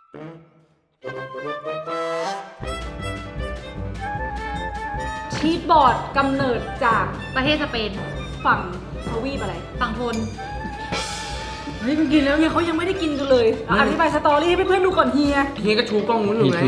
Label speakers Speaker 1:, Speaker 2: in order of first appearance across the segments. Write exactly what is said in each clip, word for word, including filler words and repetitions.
Speaker 1: ชีสบอร์ดกำเนิดจาก
Speaker 2: ประเทศสเปน
Speaker 1: ฝั่งทวีปอะไร
Speaker 2: ฝั่งทน
Speaker 1: เฮ้ยมันกินแล้วเฮียเขายังไม่ได้กินกันเลยอธิบายสตอรี่ให้เพื่อนๆดูก่อนเฮีย
Speaker 3: เฮียก็ชูกล้องนู้นอยู่ไง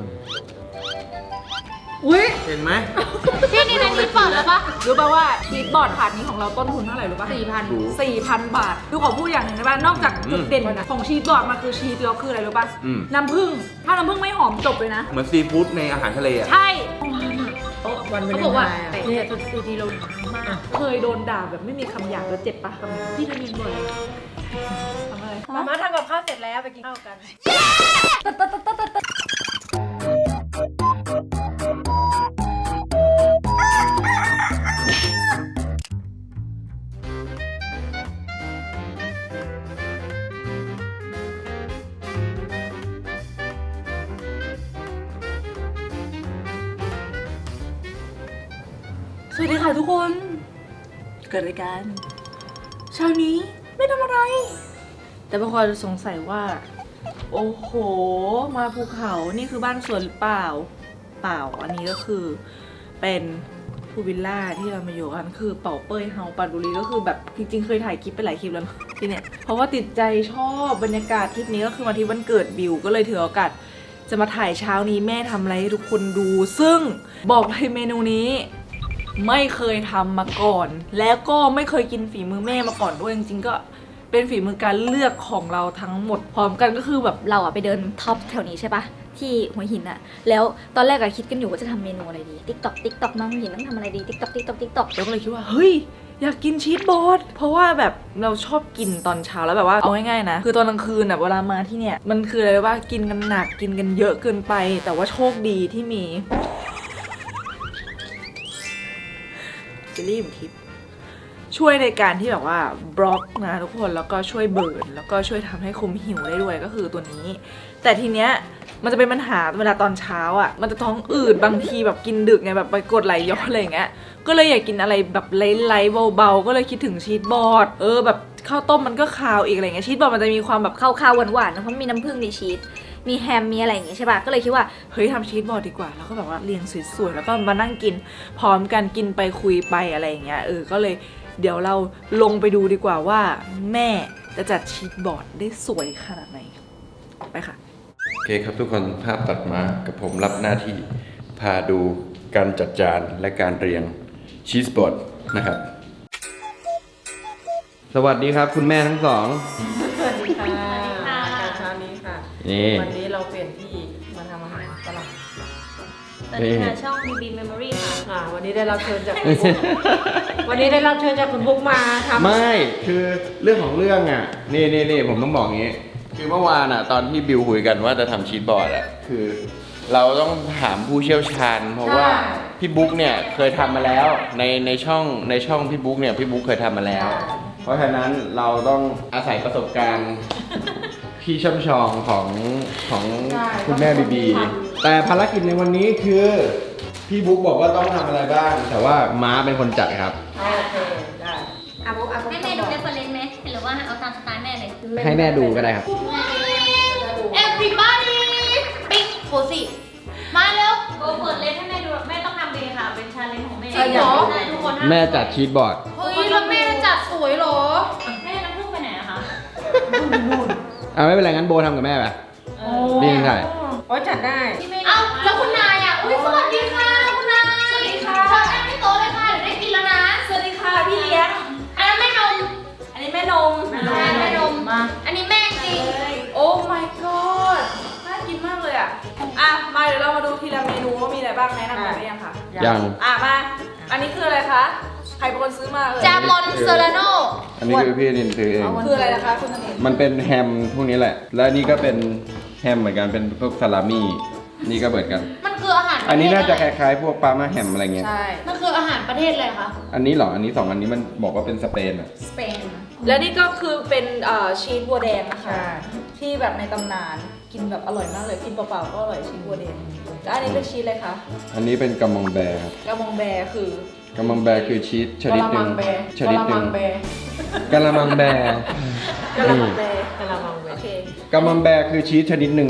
Speaker 1: อุ้ย
Speaker 3: เห็นไหม
Speaker 2: พี่นี่ในนี้เปิดแล้วปะ
Speaker 1: รู้ป่ะว่าชีสบอร์ดถาดนี้ของเราต้นทุนเท่าไหร่รู้ป่ะ
Speaker 2: สี่พัน
Speaker 1: สี่พันบาทดูขอพูดอย่างหนึ่งนะบ้านนอกจากจุดเด่นของชีสบอร์ดมันคือชีสแล้วคืออะไรรู้ป่ะน้ำผึ้งถ้าน้ำผึ้งไม่หอมจบเลยนะ
Speaker 3: เหมือนซีฟู้ดในอาหารทะเลอ่ะ
Speaker 1: ใช่
Speaker 2: วันเขาบอกว่าแต่เนี่ยตัวดีเรามาก
Speaker 1: เคยโดนด่าแบบไม่มีคำหยาบแล้วเจ็บปะพี่ทำยังบ่อยทำอะไร
Speaker 4: มาม่าทำกับข้าวเสร็จแล้วไปกินข้าวกัน
Speaker 1: สวัสดีค่ะทุกคนเกิดอะไรกันเช้านี้ไม่ทำอะไรแต่บางคนสงสัยว่าโอ้โหมาภูเขานี่คือบ้านสวนหรือเปล่าเปล่าอันนี้ก็คือเป็นพูลวิลล่าที่เรามาอยู่กันคือเป่าเป้ยเฮาปราณบุรีก็คือแบบจริงๆเคยถ่ายคลิปไปหลายคลิปแล้วที่เนี่ยเพราะว่าติดใจชอบบรรยากาศทริปนี้ก็คือมาที่วันเกิดบิวก็เลยถือโอกาสจะมาถ่ายเช้านี้แม่ทำอะไรให้ทุกคนดูซึ่งบอกเลยเมนูนี้ไม่เคยทำมาก่อนแล้วก็ไม่เคยกินฝีมือแม่มาก่อนด้วยจริงๆก็เป็นฝีมือการเลือกของเราทั้งหมดพร้อมกันก็คือแบบ
Speaker 2: เราอะไปเดินท็อปแถวนี้ใช่ปะที่หัวหินอะแล้วตอนแรกอะคิดกันอยู่ว่าจะทำเมนูอะไรดีติ๊กต็อกติ๊กต็อกน้องหัวหินต้องทำอะไรดีติ๊กต็อกติ๊กต็อกติ๊กต็อก
Speaker 1: แล้วก็เลยคิดว่าเฮ้ยอยากกินชีสบอร์ดเพราะว่าแบบเราชอบกินตอนเช้าแล้วแบบว่าเอาง่ายๆนะคือตอนกลางคืนอะเวลามาที่เนี่ยมันคืออะไรว่ากินกันหนักกินกันเยอะเกินไปแต่ว่าโชคดีที่มีเจลลี่มทิพย์ช่วยในการที่แบบว่าบล็อกนะทุกคนแล้วก็ช่วยเบิร์นแล้วก็ช่วยทำให้คุมหิวได้ด้วยก็คือตัวนี้แต่ทีเนี้ยมันจะเป็นปัญหาเวลาตอนเช้าอ่ะมันจะท้องอืดบางทีแบบกินดึกไงแบบไปกดไหลย้อนอะไรอย่างเงี้ยก็เลยอยากกินอะไรแบบไร้ๆเบาๆก็เลยคิดถึงชีสบอร์ดเออแบบข้าวต้มมันก็คาวอีกอะไรเงี้ยชีสบอร์ดมันจะมีความแบบ
Speaker 2: คาวๆหวานๆนะเพราะมีน้ำผึ้งมีชีสมีแฮมมีอะไรอย่างเงี้ยใช่ป่ะก็เลยคิดว่า
Speaker 1: เฮ้ยทำชีสบอร์ดดีกว่าแล้วก็แบบว่าเรียงสวยๆแล้วก็มานั่งกินพร้อมกันกินไปคุยไปอะไรอย่างเงี้ยเออก็เลยเดี๋ยวเราลงไปดูดีกว่าว่าแม่จะจัดชีสบอร์ดได้สวยขนาดไหนไปค่ะ
Speaker 5: โอเคครับทุกคนภาพตัดมากับผมรับหน้าที่พาดูการจัดจานและการเรียงชีสบอร์ดนะครับสวัสดีครับคุณแม่ทั้งสอง
Speaker 4: สวัสดีค่ะการเช้านี้ค่ะวันนี้เราเปลี่ยนที่มาทำอาหารฝรั่ง
Speaker 2: ตอนนี้ค่ะช่อง บี บี Memory ค่ะ
Speaker 4: วันนี้ได้รับเชิญจากคุณบุ๊กวันนี้ได้รับเชิญจากคุณบุ๊กมาทำ
Speaker 5: ไม่คือเรื่องของเรื่องอ่ะนี่นี่นี่ผมต้องบอกงี้คือเมื่อวานอ่ะตอนที่บิวคุยกันว่าจะทำชีสบอร์ดอ่ะคือเราต้องถามผู้เชี่ยวชาญเพราะว่าพี่บุ๊กเนี่ยเคยทำมาแล้วในในช่องในช่องพี่บุ๊กเนี่ยพี่บุ๊กเคยทำมาแล้วเพราะฉะนั้นเราต้องอาศัยประสบการณ์พี่ช่ำชองของของคุณแม่บีบีแต่ภารกิจในวันนี้คือพี่บุ๊กบอกว่าต้องทำอะไรบ้างแต่ว่าม้าเป็นคนจัดครับ
Speaker 4: โอเคได้อาบุ๊กอาบุ๊ก
Speaker 2: ให้แม่ดูเรฟเฟอเรนซ์ไหมหรือว่าเอาตามสไตล์แม่เลย
Speaker 5: ให้แม่ดูก็ได้ครับ
Speaker 2: Everybody ปิ๊กโคสิมาเร็วโกเปิดเลนให้แม่ดูแม่ต้องทำเองค่ะเป็นชาเลนจ์ของแม่จริงเหรอทุกคน
Speaker 5: แม่จัดชีสบอร์ด
Speaker 2: เฮ้ยแล้วแม่จัดสวยเหรอแม่น้ำผึ้งไปไหนอะคะ
Speaker 5: อ่าไม่เป็นไรงั้นโบทำกับแม่ไปนี่ใช่
Speaker 4: อ๋อจัดได้
Speaker 2: เอ้าแล้วคุณนายอ่ะอุ้ยสวัสดีค่ะคุณนายสวัสดีค่ะเชิญนั่งที่โต๊ะเลยค่ะเดี๋ยวได้กินแล้วนะ
Speaker 1: สวัสดีค่ะพี่เลี้ยง
Speaker 2: อันนั้นแม่นม
Speaker 1: อันนี้แม่นม
Speaker 2: แม่แม่นมมาอันนี้แม่จริง
Speaker 1: โอ้ my god น่ากินมากเลยอ่ะอ่ะมาเดี๋ยวเรามาดูทีละเมนูว่ามีอะไรบ้างแนะนำกันได้ยังคะ
Speaker 5: ยัง
Speaker 1: อ่ะมาอันนี้คืออะไรคะใครเป็นคนซื้อมาเอ่ย
Speaker 2: จามอนเซอราโน
Speaker 5: อันนี้คือพี่นินซื้อเอง
Speaker 1: คืออะไรนะคะคุณนิน
Speaker 5: มันเป็นแฮมพวกนี้แหละและนี่ก็เป็นแฮมเหมือนกันเป็นพวกซาลามี่นี่ก็เหมือนกัน
Speaker 2: มันคืออาหาร
Speaker 5: อันนี้น่าจะคล้ายๆพวกปาม่าแฮมอะไรเงี้ย
Speaker 1: ใช่
Speaker 2: มันคืออาหารประเทศอะไรคะ
Speaker 5: อันนี้เหรออันนี้สองอันนี้มันบอกว่าเป็นสเปนอะ
Speaker 2: สเปน
Speaker 1: แล้วนี่ก็คือเป็นชีสบัวแดงนะคะที่แบบในตำนานกินแบบอร่อยมากเลยกินเปล่าๆก็อร่อยชีสบัวแดงแล้วอันนี้เป็นชีสอะไรคะ
Speaker 5: อันนี้เป็นกัมมองแบร์ครับ
Speaker 1: กัมมองแบร์คือ
Speaker 5: กัมมังแบร์คือชีสชนิดหนึ่งชนิดหนึ่ง
Speaker 1: กะละมังแบร์
Speaker 5: กะละมังแบร์
Speaker 1: กะละมังแบร์กะละมังแบร์โอเค
Speaker 5: กัมมังแบร์คือชีสชนิดหนึ่ง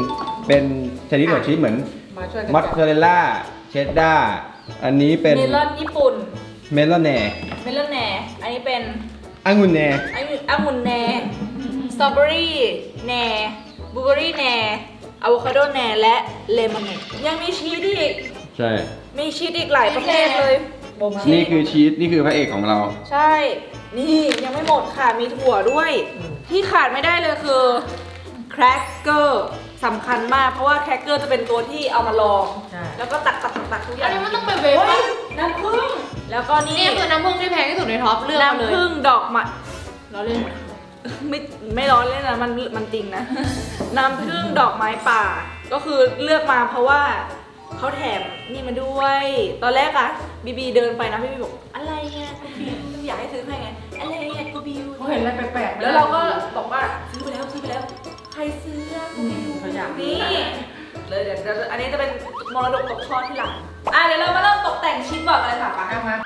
Speaker 5: เป็นชนิดของชีสเหมือน
Speaker 4: มาช่วยกัน
Speaker 5: มอสซาเรลล่าเชดดาร์อันนี้เป็น
Speaker 1: เมลอนญี่ปุ่น
Speaker 5: เมลอนแหน่
Speaker 1: เมลอนแหน่อันนี้เป็น
Speaker 5: องุ่นแหน่
Speaker 1: อันนี้องุ่นแหน่สตรอเบอรี่แหน่บลูเบอรี่แหน่อะโวคาโดแหน่และเลมอนแหน่ยังมีชีสอีก
Speaker 5: ใช่
Speaker 1: มีชีสอีกหลายประเภทเลย
Speaker 5: นี่คือชีสนี่คือพระเอกของเรา
Speaker 1: ใช่ นี่ยังไม่หมดค่ะ มีถั่วด้วย ที่ขาดไม่ได้เลยคือแครกเกอร์สำคัญมาก เพราะว่าแครกเกอร์จะเป็นตัวที่เอามาลอง
Speaker 4: ใช่
Speaker 1: แล้วก็ตักตักตักตักทุกอ
Speaker 6: อั
Speaker 1: ย่าน ง
Speaker 6: นี้มันต้องเป็นเวฟ
Speaker 1: เฮ้
Speaker 6: ป่ะ
Speaker 1: ยน้ำผึ้งแล้วก็นี่
Speaker 6: นี่คือน้ำผึ้งที่แพงที่สุดในท็อปเลือกมาเลย
Speaker 1: น้ำผึ้งดอกไม้
Speaker 6: เราเล่น
Speaker 1: ไม่ไม่ร้อนเลยนะมันมันจริงนะ น้ำผึ้งดอกไม้ป่า ก็คือเลือกมาเพราะว่าเขาแถมนี่มาด้วย ตอนแรกอะบีบีเดินไปนะบีบีบอกอะไรเนี่ยกูบิวอยากให้ซื้อให้ไงอะไรเนี่ยกูบิว
Speaker 4: เขาเห็นอะไรแปลกๆ
Speaker 1: แล้วเราก็บอกว่าซื้อไปแล้วซื้อไปแล้วใครซื้ออะกูบิว
Speaker 4: เขาอยาก
Speaker 1: นี่เลยเดี๋ยวเดี๋ยวอันนี้จะเป็นมรดกตกทอดที่หลังอ่ะเดี๋ยวเรามาเริ่มตกแต่งชิ้นบอร์ดกันเลยค่ะไปมา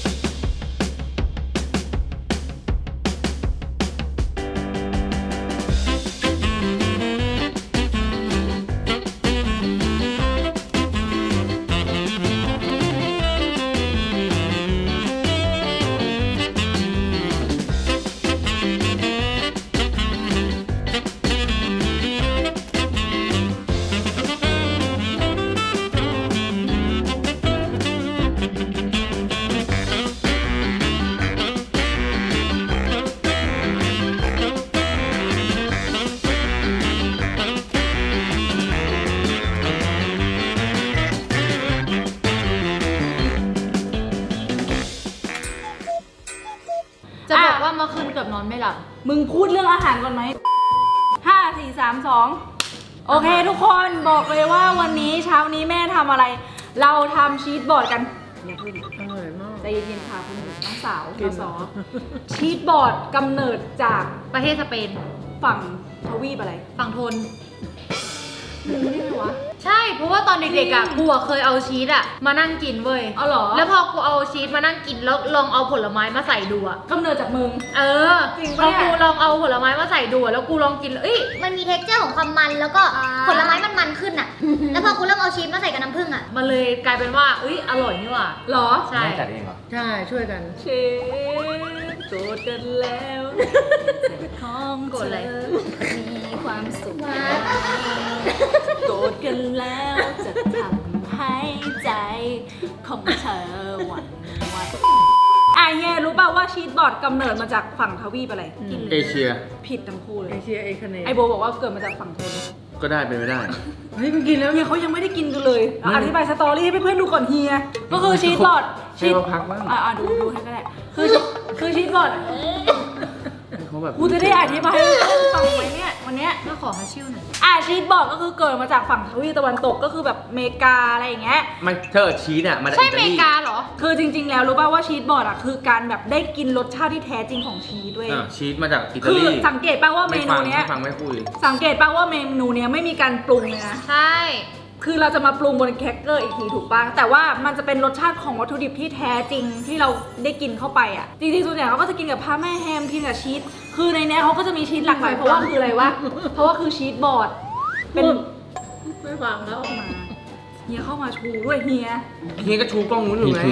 Speaker 6: จะบอกว่าเมื่อคืนเกือบนอนไม่หลับ
Speaker 1: มึงพูดเรื่องอาหารก่อนไหม ห้า สี่ สาม สอง โอเคทุกคนบอกเลยว่าวันนี้เช้านี้แม่ทำอะไร เราทำชีสบอร์ดกันอย่าเพิ่ง
Speaker 4: อร่อยมาก
Speaker 1: ใจเย็นๆค่ะคุณน้องสาวน้องสอชีสบอร์ดกำเนิดจาก
Speaker 6: ประเทศสเปน
Speaker 1: ฝั่งทวีปอะไร
Speaker 6: ฝั่งทน
Speaker 1: รู้ได้ไหมวะ
Speaker 6: ใช่ เพราะว่าตอนเด็กๆอ่ะกูอะเคยเอาชีสอ่ะมานั่งกินเว้ย
Speaker 1: เอาเหรอ
Speaker 6: แล้วพอกูเอาชีสมานั่งกินแล้วลองเอาผลไม้มาใส่ดูอ่ะ
Speaker 1: กำเนิดจากมึง
Speaker 6: เออ
Speaker 1: จริง
Speaker 6: พ
Speaker 1: ปะ
Speaker 6: อ
Speaker 1: เนี่ย
Speaker 6: กูลองเอาผลไม้มาใส่ดูอะแล้วกูลองกินเอ้ย
Speaker 2: มันมีเท็กเจอร์ของความมันแล้วก็
Speaker 1: อ่า
Speaker 2: ผลไม้มันมันขึ้นอ่ะ แล้วพอคุณเริ่มเอาชีสมาใส่กับน้ำผึ้งอ่ะ
Speaker 6: มันเลยกลายเป็นว่าเอ้ยอร่อยนี่หว่า
Speaker 1: เหรอ
Speaker 6: ใช่
Speaker 5: แม่จัดเองเหรอ
Speaker 4: ใช่ช่วยกัน
Speaker 1: เชฟโจทย์กันแล้วของ
Speaker 6: โกรธอะไร
Speaker 2: มีความสุข
Speaker 1: โกรธกันแล้วจะทำให้ใจของเธอหวั่นไหวอ่ะเฮียรู้ป่าวว่าชีสบอร์ดกำเนิดมาจากฝั่งทวีปอะไร
Speaker 5: เอเชีย
Speaker 1: ผิดทั้งคู่เล
Speaker 4: เอย เชียเอคเน
Speaker 1: ไอโบบอกว่าเกิดมาจากฝั่งทน
Speaker 5: ก็ได้เป็นไม่ได้
Speaker 4: เฮ้ยมันกินแล้ว
Speaker 1: เฮียเขายังไม่ได้กินกันเลยเอาอธิบายสตอรี่ให้เพื่อนๆดูก่อนเฮียก็คือชีสบอร์ด
Speaker 5: ให้เขาพักบ้าง
Speaker 1: อ่ะๆดูดูให้ก็ได้คือคือชีสบอร์ด
Speaker 5: ให้เขาแบบ
Speaker 1: กูจะได้อธิบายให้ฟังไหมเนี่ยวันเนี้ย
Speaker 6: ก็ขอฮัชชิ่วหน่อย
Speaker 1: อ่ะชีสบอร์ดก็คือเกิดมาจากฝั่งทวีปตะวันตกก็คือแบบอเมริกาอะไรอย่างเงี้ย
Speaker 5: มันเธอชีสอ่ะมาจาก
Speaker 6: ใช่
Speaker 5: อิ
Speaker 6: อ
Speaker 5: ตา
Speaker 6: เม
Speaker 5: ลี
Speaker 6: ริกาเหรอ
Speaker 1: คือจริง ๆ แล้วรู้ป่าวว่าชีสบอร์ดอ่ะคือการแบบได้กินรสชาติที่แท้จริงของชีสด้วย
Speaker 5: อ่ะชีสมาจากอิตา
Speaker 1: คือ
Speaker 5: ลี
Speaker 1: สังเกตป่าวว่าเม
Speaker 5: ไม่
Speaker 1: นู
Speaker 5: ฟัง
Speaker 1: เนี้ย
Speaker 5: ไม่ฟังไม่คุย
Speaker 1: สังเกตป่าวว่าเมนูเนี้ยไม่มีการปรุงเลยนะ
Speaker 6: ใช่
Speaker 1: คือเราจะมาปรุงบนแครกเกอร์อีกทีถูกป่ะแต่ว่ามันจะเป็นรสชาติของวัตถุดิบที่แท้จริงที่เราได้กินเข้าไปอ่ะจริงๆส่วนใหญ่เขาก็จะกินกับพาแม่แฮมกินกับชีสคือในเนี้ยเขาก็จะมีชีสหลากหลายเพราะว่าคืออะไรวะเพราะว่าคือชีสบอร์ดเป็น
Speaker 4: ไม่ฟังแล้ว
Speaker 1: มาเฮียเข้ามาชูด้วยเฮีย
Speaker 3: เฮียก็ชูกล้องนู้นอยู่ไง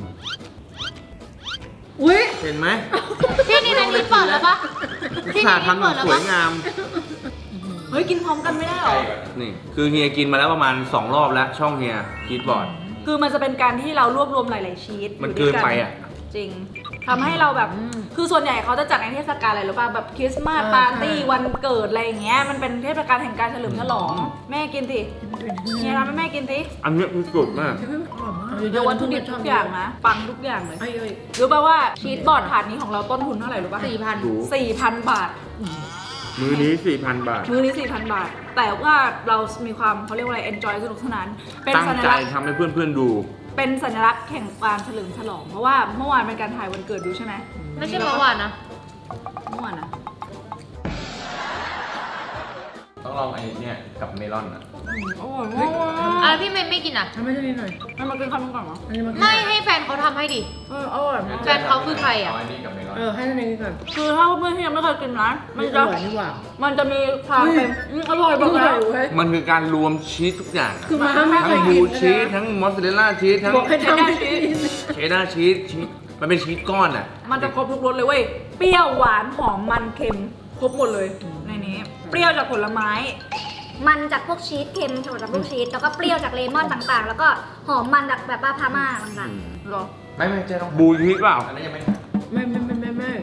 Speaker 1: อุ้ย
Speaker 3: เห็นไหม
Speaker 6: พี่นี่นันนี้เปิดแล้วปะพี่
Speaker 3: สา
Speaker 6: นี่
Speaker 3: ทำแบ
Speaker 6: เปิ
Speaker 3: บ
Speaker 6: ดแล้ว
Speaker 3: สว
Speaker 6: ปะ
Speaker 3: ยงาม
Speaker 1: เฮ้ยกินพร้อมกันไม่ได้หรอ
Speaker 3: นี่ คือเฮียกินมาแล้วประมาณสองรอบแล้วช่องเฮียชีสบอร์ด
Speaker 1: คือมันจะเป็นการที่เรารวบรวมหลาย ๆ ชีส
Speaker 3: มัน
Speaker 1: อยู่ด้วย
Speaker 3: เกินไปอะ
Speaker 1: จริงทำให้เราแบบ คือส่วนใหญ่เขาจะจัดในเทศกาลอะไรหรือเปล่าแบบคริสต์มาสปาร์ตี้วันเกิดอะไรอย่างเงี้ยมันเป็นเทศกาลแห่งการเฉลิมฉลอง แม่กินสิเฮียทำให้แม่กินสิ
Speaker 3: อันนี้มันสุดมาก
Speaker 1: เดี๋ยววัตถุดิบทุกอย่างนะปังทุกอย่างเลย
Speaker 4: เอ้ยเอ้ย
Speaker 1: รู้ป่าวว่าชีสบอร์ดถาดนี้ของเราต้นทุนเท่าไหร่รู้ป่ะ
Speaker 6: สี่พัน
Speaker 3: ดู
Speaker 1: สี่พันบาท
Speaker 3: มือนี้สี่พันบาท
Speaker 1: มื้อนี้สี่พันบาท แต่ว่าเรามีความเขาเรียกว่าอะไร enjoy สนุกสนานเป็น
Speaker 3: ตั้ง
Speaker 1: สัญ
Speaker 3: ใจ
Speaker 1: ลักษณ์
Speaker 3: ทำให้เพื่อนๆดู
Speaker 1: เป็นสัญลักษณ์แข่งการเฉลิมฉลอง เพราะว่าเมื่อวานเป็นการถ่ายวันเกิดดูใช่ไหม
Speaker 6: ไม่ใช่เมื่อวานนะ
Speaker 1: เมื่อวานนะ
Speaker 5: เอต้องลองไอ้เนี่ยกับเมลอนอ่ะ
Speaker 1: อร่อยมาก
Speaker 6: อ่ะพี่เมย์ไม่กินอ่ะ
Speaker 4: ทำให้นิดหน่อย
Speaker 1: ให้มากินคำนึงก่อนเหรอ
Speaker 4: อันนี้มากิน
Speaker 6: ไม่ให้แฟนเขาทำให้ดิ
Speaker 1: เอออร่อยมาก
Speaker 6: แฟนเขาคือใครอะ
Speaker 5: เาอันนี้กับเมลอน
Speaker 4: เออให้นิดนึงก่อน
Speaker 1: คือถ้าเพื่อนที่ยังไม่เคยกินนะมัน
Speaker 4: อ
Speaker 1: จะ
Speaker 4: ร่อยนี่หว่า
Speaker 1: มันจะมีความเป็นอืมอร่อยแบบ
Speaker 4: อร่
Speaker 1: นั้
Speaker 4: อน ยเว้ย
Speaker 3: มันคือการรวมชีสทุกอย่างอะ
Speaker 4: คือมาไม่เค
Speaker 3: ทั้
Speaker 4: ย
Speaker 3: ง
Speaker 4: กิ
Speaker 3: บู
Speaker 4: น
Speaker 3: ชีส
Speaker 4: นะ
Speaker 3: ทั้งมอสซาเรลล่าชีสทั้ง
Speaker 4: บอกให้ทำให้กิน
Speaker 3: เชดดาร์ชีสชีสมันเป็นชีสก้อนอ่ะ
Speaker 1: มันจะครบทุกรสเลยเว้ย เปรี้ยวหวานหอมมันเค็มครบหมดเลยในนี้ เปรี้ยวจากผลไม้
Speaker 2: มันจากพวกชีสเค็มจากพวกชีสแล้วก็เปรี้ยวจากเลมอนต่างๆ แล้วก็หอมมันจากแบบว่าพาม่าต่าง
Speaker 1: หรอ
Speaker 5: ไม่ไม่เจ๊ต้อง
Speaker 3: บูชีสเปล่า
Speaker 5: อันนั้นยังไม่
Speaker 4: ไม่ไม่ไม่ไม่ไม่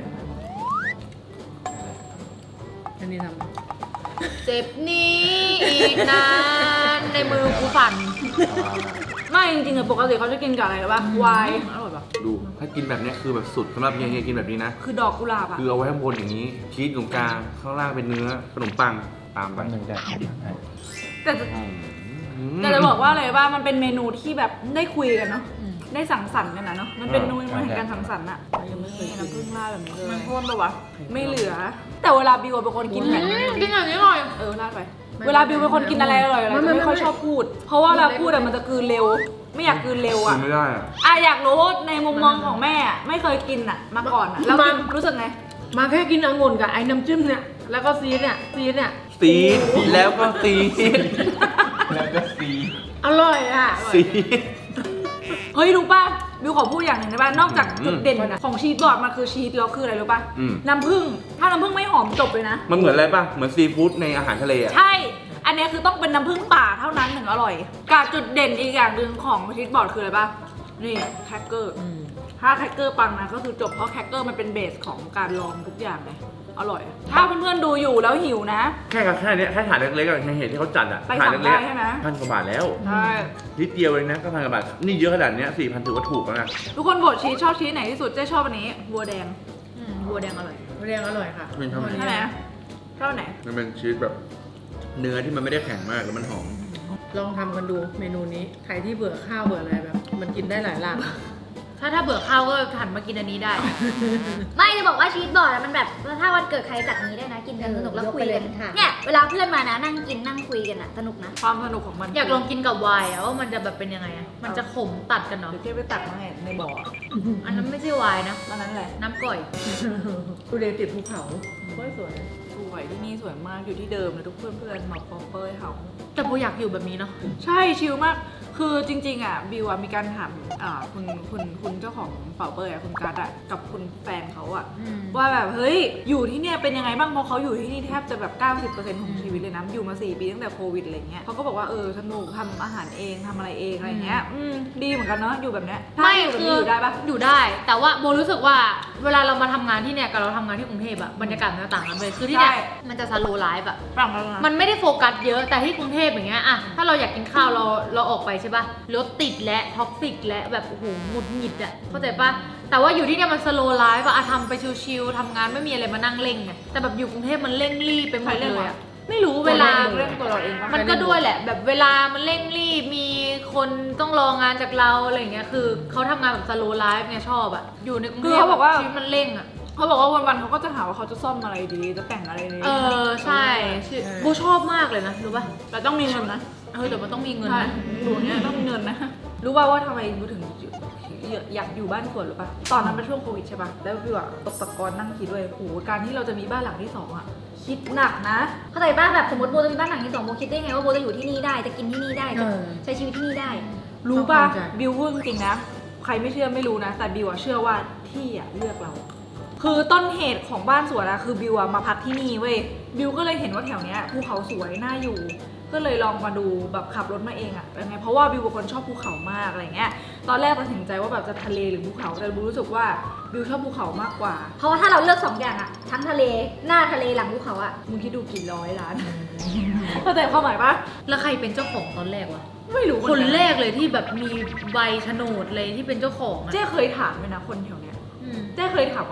Speaker 4: อันนี้ทำ
Speaker 6: เจ็บนี้อีกนานในมือกูฝัน
Speaker 1: ไม่จริงๆอะปกติเขาจะกินกับอะไรหรือปะไวน์อร่อยปะ
Speaker 3: ดูถ้ากินแบบเนี้ยคือแบบสุดสำหรับเฮียเฮียกินแบบนี้นะ
Speaker 1: คือดอกกุหลาบอะ
Speaker 3: คือเอาไว้ข้างบนอย่างนี้ ชีสตรงกลางข้างล่างเป็นเนื้อขนมปังตามไป
Speaker 5: แป๊บนึงได้
Speaker 1: แต่จะ
Speaker 3: อืม
Speaker 1: แต่จะบอกว่าอะไรว่ามันเป็นเมนูที่แบบได้คุยกันเนาะ ได้สังสรรค์กันนะเนาะ มันเป็นเมนูแห่งการสังสรรค์อะยังไม่เคยน้ำผึ้งราดแบบนี้เลยมันพ่นปะวะ ไม่เหลือ แต่เวลาบิวเป็นคนกินแบบนี้
Speaker 6: กินอย่างนี้หน่อย
Speaker 1: เออราดไป เวลาบิวเป็นคนกินอะไรอร่อยๆจะไม่ค่อยชอบพูด เพราะว่าเวลาพูดอะมันจะกลืนเร็ว ไม่อยากกลืนเร็ว
Speaker 3: กิ
Speaker 1: อะ
Speaker 3: นไม่ได้อะ
Speaker 1: อ่ะอยากรู้ในมุมมองของแม่อะไม่เคยกินอะมาก่อนอะแล้วกินรู้สึกไง
Speaker 4: มาแค่กินองุ่นกับไอ้น้ำจิ้มเนี่ย แล้วก็ซีสเนี่ย ซีสเนี่ย
Speaker 3: ซีดแล้วก็ซีด
Speaker 5: แล้วก็ซี
Speaker 4: อร่อยอ่ะ
Speaker 3: ซีด
Speaker 1: เฮ้ยรู้ป่ะบิวขอพูดอย่างหนึ่งได้ป่ะนอกจาก
Speaker 3: อืม
Speaker 1: จุดเด่นอะของชีสบอร์ดมันคือชีสแล้วคืออะไรรู้ป่ะ
Speaker 3: อืม
Speaker 1: น้ำผึ้งถ้าน้ำผึ้งไม่หอมจบเลยนะ
Speaker 3: มันเหมือนอะไรป่ะ เหมือนซีฟู้ดในอาหารทะเลอ่ะ
Speaker 1: ใช่ อันเนี้ยคือต้องเป็นน้ำผึ้งป่าเท่านั้นถึงอร่อยกับจุดเด่นอีกอย่างหนึ่งของชีสบอร์ดคืออะไรป่ะนี่แครกเกอร์ถ้าแครกเกอร์ปังนะก็คือจบเพราะแครกเกอร์มันเป็นเบสของการลองทุกอย่างเลยอร่อย ถ้าเพื่อนๆดูอยู่แล้วหิวนะ
Speaker 3: แค่กับแค่เนี้ยแค่ถาดเล็กๆกับแค่เห็นที่เขาจัดอ่ะ
Speaker 1: ไป
Speaker 3: ถาด
Speaker 1: สั่ง
Speaker 3: เล็ก
Speaker 1: ได้ใช่ไหม
Speaker 3: ๆพันกว่าบาทแล้ว
Speaker 1: ใช่
Speaker 3: นิดเดียวเองนะก็พันกว่าบาท นี่เยอะขนาดเนี้ยสี่พันถือว่าถูกแล้วนะ
Speaker 1: ทุกคนโหวตชีสชอบชีสไหนที่สุดเจ๊ชอบอันนี้บัวแดง
Speaker 6: อืมบัวแดงอร่อย
Speaker 4: เรียงอร่อยค่ะ
Speaker 3: ไม่ชอบอันนี้
Speaker 1: ใช่ไหมชอบอันไหน
Speaker 3: มันเป็นชีสแบบ เนื้อที่มันไม่ได้แข็งมากแล้วมันหอม
Speaker 4: ลองทำกันดูเมนูนี้ ใครที่เบื่อข้าวเบื่ออะไรแบบ มันกินได้หลายหลาก
Speaker 6: ถ้าถ้าเบื่อข้าวก็หันมากินอันนี้ได้
Speaker 2: ๆ ไม่จะบอกว่าชีสบอร์ดอะมันแบบถ้าวันเกิดใครจัดนี้ได้นะ กินกันสนุกแล้วคุยกันเนี่ยเวลาเพื่อนมานะนั่งกินนั่งคุยกันอะสนุกนะ
Speaker 1: ความสนุกของมัน
Speaker 6: อยากลองกินกับไวน์อะว่ามันจะแบบเป็นยังไงอะมันจะขมตัดกันเนาะ
Speaker 1: เดี๋ยวเจ๊ไปตักมาให้ในบ่อ
Speaker 6: อันนั้นไม่ใช่ไวน์นะ
Speaker 1: ตอนนั้นแหละ
Speaker 6: น้ำก่อย
Speaker 4: ทุเรียนติดภูเขา
Speaker 1: สวยสวยสวยที่นี่สวยมากอยู่ที่เดิมเลยทุกเพื่อนเพื่อนๆหมอกปอเปอร์เฮา
Speaker 6: แต่โบอยากอยู่แบบนี้เนาะ
Speaker 1: ใช่ชิลมาก คือจริงๆอ่ะบิวอ่ะมีการถามอ่าคุณคุณคุณเจ้าของเป่าเปอร์อ่ะคุณกัสอ่ะกับคุณแฟนเขาอ่ะ
Speaker 6: อืม
Speaker 1: ว่าแบบเฮ้ยอยู่ที่เนี่ยเป็นยังไงบ้างเพราะเขาอยู่ที่นี่แทบจะแบบ เก้าสิบเปอร์เซ็นต์ ของชีวิตเลยนะอยู่มาสี่ปีตั้งแต่โควิดอะไรเงี้ยเขาก็บอกว่าเออสนุกทำอาหารเองทำอะไรเองอะไรเงี้ยอืมดีเหมือนกันเนาะอยู่แบบเนี้ยถ้า
Speaker 6: ไม่
Speaker 1: อยู่แบบ
Speaker 6: คื
Speaker 1: นี้
Speaker 6: อ
Speaker 1: อยู่ได้ปะ
Speaker 6: อยู่ได้ แต่ว่าโบรู้สึกว่าเวลาเรามาทำงานที่เนี่ยกับเราทำงานที่กรุงเทพอะบรรยากาศมันจะต่างกันเลยคือที่เนี่ยมันจะสโลว์ไลฟ์อะ
Speaker 1: ต่างกันนะ
Speaker 6: มันไม่ได้โฟกัสเยอะแต่ที่กรุงเทพอย่างเงี้ยอะถ้าเราอยากกินข้าวเราเราออกไปใช่ปะรถติดและท็อกซิกและแบบโอ้โหหงุดหงิดอะเข้าใจปะแต่ว่าอยู่ที่เนี่ยมันสโลว์ไลฟ์อะทำไปชิลๆทำงานไม่มีอะไรมานั่งเร่งไงแต่แบบอยู่กรุงเทพมันเร่งรีบไปหมดเลยอะไม่รู้เวลา
Speaker 1: เรื่องตัวเราเองปะ
Speaker 6: มันก็ด้วยแหละ แบบเวลามันเร่งรีบมีคนต้องรองานจากเราอะไรอย่างเงี้ยคือเขาทำงานแบบสโลว์ไลฟ์เนี่ยชอบอะอยู่ในกรุง
Speaker 1: คื
Speaker 6: เท
Speaker 1: อ
Speaker 6: พ
Speaker 1: เขาบอกว่า
Speaker 6: ชีวิตมันเร่งอะ
Speaker 1: เขาบอกว่าวันๆเขาก็จะหาว่าเขาจะซ่อมอะไรดีจะแต่งอะไรดี
Speaker 6: เออใช่ชื่อโบชอบมากเลยนะรู้ป่ะ
Speaker 1: แต่ต้องมีเงินนะ
Speaker 6: เออแต่มันต้องมีเงิน
Speaker 1: ใช่
Speaker 6: นะ
Speaker 1: อยู่เนี้ยต้องมีเงินนะ รู้ป่าวว่าทำไมบิวถึงอยากอยู่บ้านสวนหรือป่ะ ตอนนั้นเป็นช่วงโควิดใช่ป่ะ แล้วบิวอะตกตะกอนนั่งคิดด้วยโอ้โหการที่เราจะมีบ้านหลังที่สองอะคิดหนักนะ
Speaker 2: เข้าใจป่ะแบบสมมติโบจะมีบ้านหลังที่สองโบคิดได้ไงว่าโบจะอยู่ที่นี่ได้จะกินที่นี่ได้จะ
Speaker 4: เออ
Speaker 2: ใช้ชีวิตที่นี่ได้
Speaker 1: รู้ป่ะ
Speaker 4: ต้องเข้าใจ
Speaker 1: บิวพูดจริงๆนะ ใครไม่เชื่อไม่รู้นะ แต่บิวอะเชื่อว่าที่อะเลือกเรา คือต้นเหตุของบ้านสวนอะคือบิวอะมาพักที่นี่เว้ย บิวก็เลยเห็นว่าแถวเนี้ยภูเขาสวยน่าอยู่ ก็เลยลองมาดูแบบขับรถมาเองอะยังไงเพราะว่าบิวเป็นคนชอบภูเขามากอะไรเงี้ย ตอนแรกตัดสินใจว่าแบบจะทะเลหรือภูเขา แต่บิวรู้สึกว่าบิวชอบภูเขามากกว่า
Speaker 2: เพราะว่าถ้าเราเลือกสองอย่างอะทั้งทะเลหน้าทะเลหลังภูเขาอะ
Speaker 1: มึงคิดดูกี่ร้อยล้าน เข้าใจความหมายปะ
Speaker 6: แล้วใครเป็นเจ้าของตอนแรกวะ
Speaker 1: ไม่รู้
Speaker 6: คนแรกเลยที่แบบมีใบโฉนดเลยที่เป็นเจ้าของอะ
Speaker 1: เจ๊เคยถามเลยนะคนแถวเนี้ย
Speaker 6: อืม
Speaker 1: เจ๊เคยถามว่าแบบ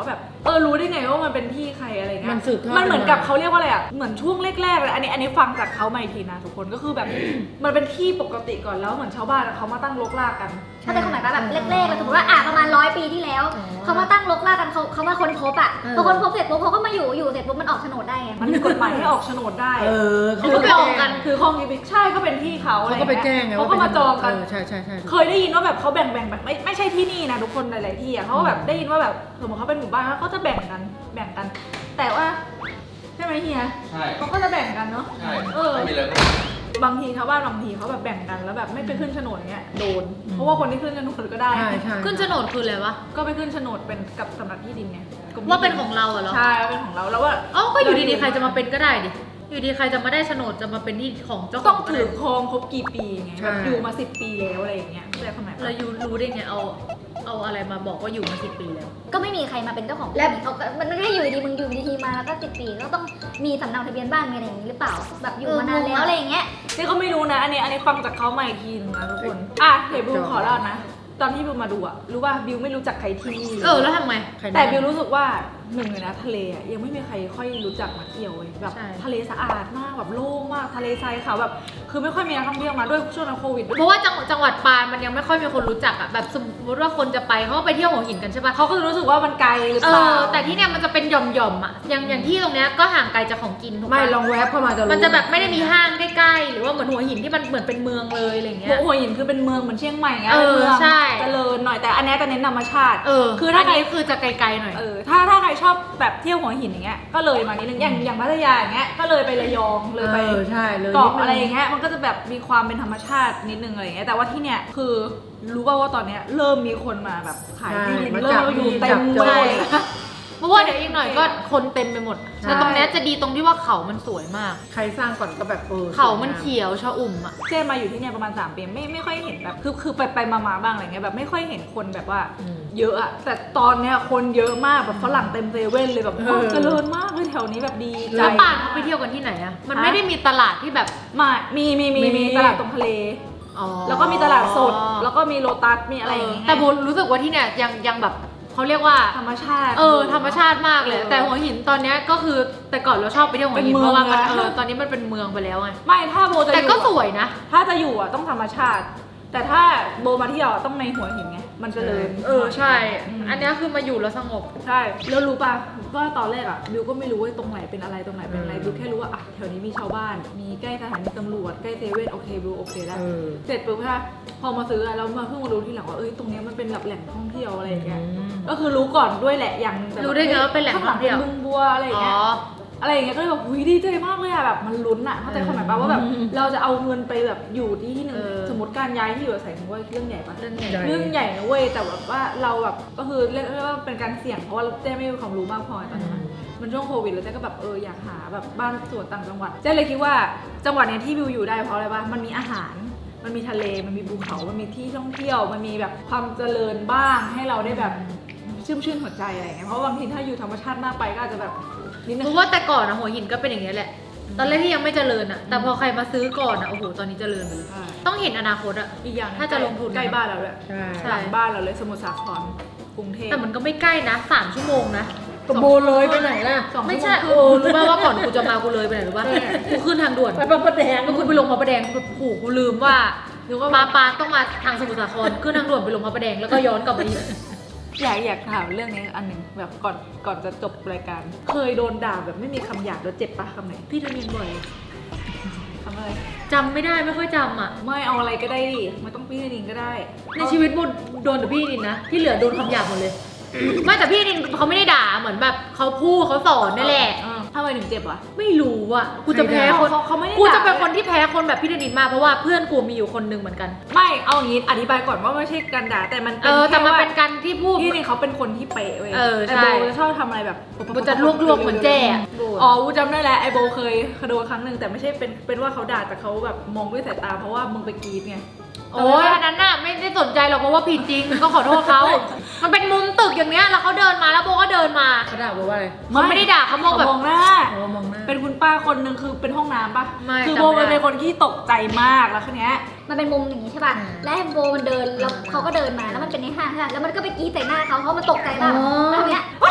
Speaker 1: เออรู้ได้ไงว่ามันเป็นที่ใครอะไรเงี้ย
Speaker 4: มันสืบทอด
Speaker 1: มันเหมือนกับ
Speaker 4: มา
Speaker 1: เขาเรียกว่าอะไรอ่ะเหมือนช่วงแรกๆเลยอันนี้อันนี้ฟังจากเขามาอีกทีนะทุกคนก็คือแบบ มันเป็นที่ปกติก่อนแล้วเหมือนชาวบ้านอะเขามาตั้งรกรากกัน
Speaker 2: ถ้าเป็นความหมายแบบแรกๆเลยสมมติว่าอ่ะประมาณร้อยปีที่แล้ว
Speaker 4: อ๋อ
Speaker 2: เขามาตั้งรกรากกันเขาเขามาค้นพบอ่ะ
Speaker 4: เออ
Speaker 2: พอค้นพบเสร็จปุ๊บเขาก็มาอยู่อยู่เสร็จปุ๊บมันออกโฉนดได้ไง
Speaker 1: มันมีกฎหมายให้ออกโฉนดได้
Speaker 4: เออ
Speaker 1: คือก็ไปออกกันคือคลองนี้ใช่ก็เป็นที่เขาอะไร
Speaker 4: เขาก็ไปแจ้งไง
Speaker 1: เขาก็มาจองกัน
Speaker 4: เใช่ใช่ใช่
Speaker 1: เคยได้ยินว่าแบบเขาแบ่งแบ่งแบบไม่ไม่ใช่ที่นี่นะทุกคนหลายๆที่อ่ะเขาก็แบบได้ยินว่าแบบสมมติเขาเป็นหมู่บ้านแล้วเขาจะแบ่งกันแบ่งกัน แต่ว่าใช่ไหมเฮีย
Speaker 5: ใช่
Speaker 1: เขาก็จะแบ่งกันเนาะ
Speaker 5: ใช่
Speaker 1: เออ
Speaker 5: ไม่มีเลย
Speaker 1: บางทีชาวบ้านบางทีเขาแบบแบ่งกันแล้วแบบไม่ไปขึ้นโฉนดเงี้ยโดน เพราะว่าคนที่ขึ้นโฉนดก็ได้
Speaker 4: ใช่ใช่
Speaker 6: ขึ้นโฉนดคืออะไรวะ
Speaker 1: ก็ไปขึ้นโฉนดเป็นกับสำนักที่ดินไงกรมที่ดิ
Speaker 6: ว่าเป็นของเราอะเหรอ
Speaker 1: ใช่ว่าเป็นของเราแล้วว่า
Speaker 6: เอ้าก็อยู่ดีๆใครจะมาเป็นก็ได้ดิอยู่ดีใครจะมาได้โฉนดจะมาเป็นที่ของเจ้าข
Speaker 1: ต้
Speaker 6: อ
Speaker 1: อง ง
Speaker 6: ก็
Speaker 1: ถื
Speaker 6: ได้
Speaker 1: อครองครบกี่ปีไง
Speaker 4: ใช่
Speaker 1: แบบอยู่มาสิบปีแล้วอะไรอย่างเงี้ยแต่สมัย
Speaker 6: แล้วยูรู้ได้ไงเอาเอาอะไรมาบอกว่าอยู่มาสิบปีแล้ว
Speaker 2: ก็ไม่มีใครมาเป็นเจ้าของแล้วเขาก็มันไม่ได้อยู่ดีมึงอยู่ดีๆมาแล้วก็สิบปีก็ต้องมีสำเนาทะเบียนบ้านมีอะไรอย่างนี้หรือเปล่าแบบอยู่มานานแล้วอะไรอย่างเงี้ย
Speaker 1: นี่ก็ไม่รู้นะอันนี้อันนี้ฟังจากเขามาอีกทีนึงนะทุกคนอ่ะเดี๋ยวบิวขอเล่านะ ตอนที่บิวมาดูอะรู้ว่าบิวไม่รู้จักใครที่นี่
Speaker 6: เออแล้วทำไง
Speaker 4: ใคร
Speaker 1: แต่บิวรู้สึกว่าหนึ่งเลยนะทะเลอะยังไม่มีใครค่อยรู้จักมาเที่ยวเลยแบบ
Speaker 6: ใช่
Speaker 1: ทะเลสะอาดมากแบบโล่งมากทะเลทรายขาวแบบคือไม่ค่อยมีนักท่องเที่ยวมาด้วยช่วงโควิดด้วย
Speaker 6: เพราะว่าจังจังหวัดปานมันยังไม่ค่อยมีคนรู้จักอะแบบสมมติว่าคนจะไปเขาก็ไปเที่ยวหัวหินกันใช่ปะ
Speaker 1: เขาก็จะรู้สึกว่ามันไกลหรือ
Speaker 6: เอ
Speaker 1: เปล่า
Speaker 6: อแต่ที่เนี่ยมันจะเป็นหย่อมๆอะอย่างอย่างที่ตรงเนี้ยก็ห่างไกลจากของกินถูกปะ
Speaker 4: ไม่ลองแวบเข้ามาจะรู้
Speaker 6: มันจะแบบไม่ได้มีห้างใกล้ๆหรือว่าเหมือนหัวหินที่มันเหมือนเป็นเมืองเลยอะไรเงี้ย
Speaker 1: หัวหินคือเป็นเมืองเหมือนเชียงใหม่ไง
Speaker 6: เออ
Speaker 1: เป็นเมือง
Speaker 6: ใช่
Speaker 1: เจริญหน่อยแต่อันเนี้ยจะเน้นธรรมชาติ
Speaker 6: เออ
Speaker 1: คือถ้า
Speaker 6: อัน
Speaker 1: ใคร
Speaker 6: นี้คือจะไกลๆหน่อย
Speaker 1: เออถ้าถ้าใครชอบแบบเที่ยวหัวหินอย่างเงี้ยก็เลยมานิดนึงอย่างอย่างพัทยาอย่างเงี้ยก็เลยไประยองเลยไป
Speaker 4: เออใช่เลย
Speaker 1: เกาะ
Speaker 4: นิดนึง
Speaker 1: อะไรอย่างเงี้ยมันก็จะแบบมีความเป็นธรรมชาตินิดนึงอะไรอย่างเงี้ยแต่ว่าที่เนี่ยคือรู้ป่าวว่าตอนเนี้ยเริ่มมีคนมาแบบขายที่ดิน
Speaker 4: มา
Speaker 1: เริ่
Speaker 4: จั
Speaker 1: ม
Speaker 4: บ
Speaker 1: มาอยู่
Speaker 4: ที่
Speaker 1: เต็
Speaker 4: จั
Speaker 1: ม
Speaker 4: บจ
Speaker 1: เล
Speaker 4: อง
Speaker 1: ย
Speaker 6: เพราะว่าเดี๋ยวอีกหน่อยก็คนเต็มไปหมด
Speaker 4: ใช่
Speaker 6: แต่ตรงเนี้ยจะดีตรงที่ว่าเขามันสวยมาก
Speaker 4: ใครสร้างก่อนก็แบบเออ
Speaker 6: เขามันเขียวชะอุ่มอะ
Speaker 1: เจ๊มาอยู่ที่เนี่ยประมาณสามปีไม่ไม่ค่อยเห็นแบบคือคือไปไปมามาบ้างอะไรเงี้ยแบบไม่ค่อยเห็นคนแบบว่า
Speaker 4: อืม
Speaker 1: เยอะอะแต่ตอนเนี้ยคนเยอะมากแบบฝรั่งเต็มเซเว่นเลยแบบ
Speaker 4: เออ
Speaker 1: โอ้เจริญมากเลยแถวนี้แบบดีใจ
Speaker 6: แล้วป่านเขาไปเที่ยวกันที่ไหนอะมันไม่ได้มีตลาดที่แบบ
Speaker 1: มามีมีมี
Speaker 4: มี
Speaker 1: มีตลาดตรงทะเล
Speaker 6: อ๋อ
Speaker 1: แล้วก็มีตลาดสด แล้วก็มีโลตัสมีอะไรอย่าง
Speaker 6: เออ
Speaker 1: เงี้ย
Speaker 6: แต่โบรู้สึกว่าที่เนี่ยยังยังแบบเขาเรียกว่า
Speaker 1: ธรรมชาติ
Speaker 6: เออธรรมชาติมากเลย
Speaker 1: เออ
Speaker 6: แต่หัวหินตอนเนี้ยก็คือแต่ก่อนเราชอบไปเที่ยวหัวหิน
Speaker 1: เป็นเมื
Speaker 6: เพ
Speaker 1: อง
Speaker 6: ราะว่ามัน
Speaker 1: นะ
Speaker 6: เออตอนนี้มันเป็นเมืองไปแล้วไง
Speaker 1: ไม่ถ้าโบจะอ
Speaker 6: แต่
Speaker 1: ยู่
Speaker 6: ก็ส
Speaker 1: อะ
Speaker 6: วยนะ
Speaker 1: ถ้าจะอยู่อะต้องธรรมชาติ แต่ถ้าโบมาเที่ยวอะต้องในหัวหินไงมันเจริญ
Speaker 6: เออใช่
Speaker 1: อืม
Speaker 6: อันเนี้ยคือมาอยู่แล้วสงบ
Speaker 1: ใช่แล้วรู้ป่ะว่าตอนแรกอะบิวก็ไม่รู้ว่าตรงไหนเป็นอะไรตรงไหนเป็นอะไร
Speaker 4: อืม
Speaker 1: บิวแค่รู้ว่าอะแถวนี้มีชาวบ้าน มีใกล้สถานีตำรวจใกล้เซเว่นโอเคบิวโอเคแล้ว
Speaker 4: เออ
Speaker 1: เสร็จปุ๊บค่ะพอมาซื้ออะแล้วมาเพิ่งมารู้ทีหลังว่าเอ้ยตรงเนี้ยมันเป็นแบบแหล่งท่องเที่ยวอะไรอย่างเงี้ย
Speaker 4: อืม
Speaker 1: ก็คือรู้ก่อนด้วยแหละอย่างแบบ
Speaker 6: รู้ได้ไงว่าเป็นแหล่งท่องเที่ยว
Speaker 1: ข้าลัป็นบึงบัวอะไรอย่าง
Speaker 6: อ๋
Speaker 1: เงี้ย
Speaker 6: อ
Speaker 1: อะไรอย่างเงี้ยก็เลยแบบอุ้ยดีใจมากเลยอะแบบมันลุ้นอะเข้าใจความหมายป่ะว่าแบบ
Speaker 4: อืม
Speaker 1: เราจะเอาเงินไปแบบอยู่ที่ที่หนึ่ง
Speaker 6: เออ
Speaker 1: สมมติการย้ายที่อยู่อาศัยถือว่าเรื่องใหญ่ปะ
Speaker 6: เรื่องใหญ่
Speaker 4: ใหญ่
Speaker 1: เรื่องใหญ่นะเว้ยแต่แบบว่าเราแบบก็คือเรียกได้ว่าเป็นการเสี่ยงเพราะว่าเจ๊ไม่มีความรู้มากพอตอนนั้นอะมันช่วงโควิดแล้วเจ๊ก็แบบเอออยากหาแบบบ้านสวนต่างจังหวัดเจ๊เลยคิดว่าจังหวัดเนี้ยที่วิวอยู่ได้เพราะอะไรปะมันมีอาหาร มันมีทะเลมันมีภูเขามันมีที่ท่องเที่ยวมันมีแบบความเจริญบ้างให้เราได้แบบชื่นชื่นหัวใจอะไรอย่างเงี้ยเพราะบางทีถ้าอยู่ธรรมชาติมากไปก็อาจจะแบบนิดนึ
Speaker 6: เพ
Speaker 1: ง
Speaker 6: ราะว่าแต่ก่อนอะหัวหินก็เป็นอย่างเงี้ยแหละ ตอนแรกที่ยังไม่เจริญอะแต่พอใครมาซื้อก่อนอะโอ้โหตอนนี้เจริญไปเลย
Speaker 1: ใช่
Speaker 6: ต้องเห็นอนาคตอะ
Speaker 1: อีกอย่าง
Speaker 6: ถ้าจะลงทุน
Speaker 1: ใกล้บ้านเราด้วย
Speaker 4: ใช่
Speaker 6: ใช่
Speaker 1: หลังบ้านเราเลยสมุทรสาครกรุงเทพ
Speaker 6: แต่มันก็ไม่ใกล้นะสามชั่วโมงนะ
Speaker 4: กระโบเลยไปไหนล่ะ
Speaker 1: สอง
Speaker 6: ไม่
Speaker 1: ชั่ว
Speaker 6: ใช่
Speaker 1: โมงค
Speaker 6: โอ้
Speaker 1: รึ่ง
Speaker 6: รู้ป่าวว่าก่อนกูจะมากูเลยไปไหนรู้ป่ะกูขึ้นทางด่วน
Speaker 4: ไปพระประแดง
Speaker 6: แล้วกูไปลงพระประแดงแบบโอ้โหกูลืมว่ามาปานต้องมาทางสมุทรสาครขึ้นทางด่วนไปลงพระประแดงแล้วก็ย้อนกลับมาอีก
Speaker 1: อยากอยากถามเรื่องนี้อันหนึ่งแบบก่อนก่อนจะจบรายการ เคยโดนด่าแบบไม่มีคำหยาบแล้วเจ็บปะคำไหน
Speaker 6: พี่โดนเรียนบ่อย
Speaker 1: คำอะไร
Speaker 6: จำไม่ได้ไม่ค่อยจำอ่ะ
Speaker 1: ไม่เอาอะไรก็ได้ดิไม่ต้องพี่นินก็ได้
Speaker 6: ในชีวิตโบโดนแต่พี่นินนะที่เหลือโดนคำหยาบหมดเลย ไม่แต่พี่นินเขาไม่ได้ด่าเหมือนแบบเขาพูดเขาสอนนั่นแหละ
Speaker 1: เออทำไมถึงเจ็บวะ
Speaker 6: ไม่รู้อ่ะกูจะแพ้คน
Speaker 1: เขาเขาไม่ได้
Speaker 6: กูจะ
Speaker 1: ด่า
Speaker 6: เป็นคนที่แพ้คนแบบพี่นินมากเพราะว่าเพื่อนกูมีอยู่คนนึงเหมือนกัน
Speaker 1: ไม่เอาอย่างนี้อธิบายก่อนว่าไม่ใช่การด่าแต่มัน
Speaker 6: เอ
Speaker 1: เป็น
Speaker 6: อแต่
Speaker 1: แค่
Speaker 6: มัน
Speaker 1: ว่า
Speaker 6: เป็นการที่พูด
Speaker 1: พี่นินเขาเป็นคนที่เป๊ะเว้ย
Speaker 6: เออ
Speaker 1: ไอ
Speaker 6: ใช่
Speaker 1: โบจะชอบทำอะไรแบบ
Speaker 6: โบจะลวกๆเหมือนแจ้อะ
Speaker 1: อ๋อวูจำได้แล้วไอโบเคยโดนครั้งหนึ่งแต่ไม่ใช่เป็นเป็นว่าเขาด่าแต่เขาแบบมองด้วยสายตาเพราะว่ามึงไปกรีดไง
Speaker 6: โอ้ยอันนั้นน่ะไม่ได้สนใจหรอกเพราะว่าผิดจริงก็ขอโทษเขามันเป็นมุมตึกอย่างเนี้ยแล้วเขาเดินมาแล้วโบก็เดินมา
Speaker 4: เขาด่าบอกว่าอะไร
Speaker 6: เขาไม่ได้ด่าเขามองแบบ
Speaker 1: มองหน้า
Speaker 4: อ๋อมองหน้า
Speaker 1: เป็นคุณป้าคนหนึ่งคือเป็นห้องน้ำปะ
Speaker 6: ไม่
Speaker 1: คือ
Speaker 6: จำ
Speaker 1: โบ
Speaker 6: ไม่ได้
Speaker 1: มันเป็นคนที่ตกใจมากแล้วคืนนี้ย
Speaker 2: มันเป็นมุมอย่างนี้ใช่ป่ะ และแฮมโบมันเดินแล้วเขาก็เดินมาแล้วมันเป็นในห้างใช่ป่ะแล้วมันก็ไปกรีดใส่หน้าเขาเพราะมันตกใจมาก
Speaker 6: อ๋อ
Speaker 2: แล้วทีเนี้ย